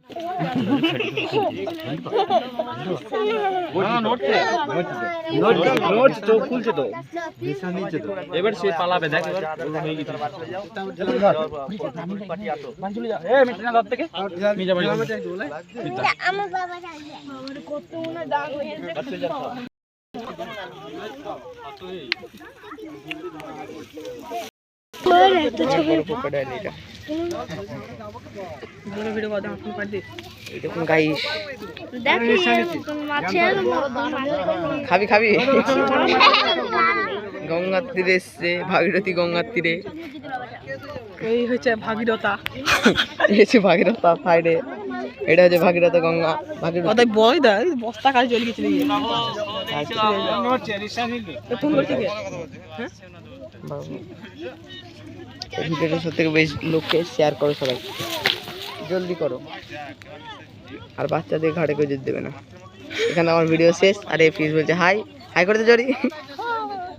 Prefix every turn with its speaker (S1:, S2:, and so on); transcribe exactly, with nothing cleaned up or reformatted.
S1: এবার সে পালাবে দেখ খাবি খাবি গঙ্গার তীরে এসছে ভাগীরথী গঙ্গার তীরে
S2: এই হচ্ছে ভাগীরথা
S1: এসে ভাগীরথা সাইডে এটা হচ্ছে ভাগীরথ গঙ্গা ভাগীরথ
S2: বয় দা বস্তা কাজ চলে গেছিল
S1: ভিডিওটা সব থেকে বেশি লোককে শেয়ার করো সবাই জলদি করো আর বাচ্চাদের ঘাড়ে কেউ যেতে দেবে না এখানে আমার ভিডিও শেষ আর এই ফিস বলছে হাই হাই করতে জরি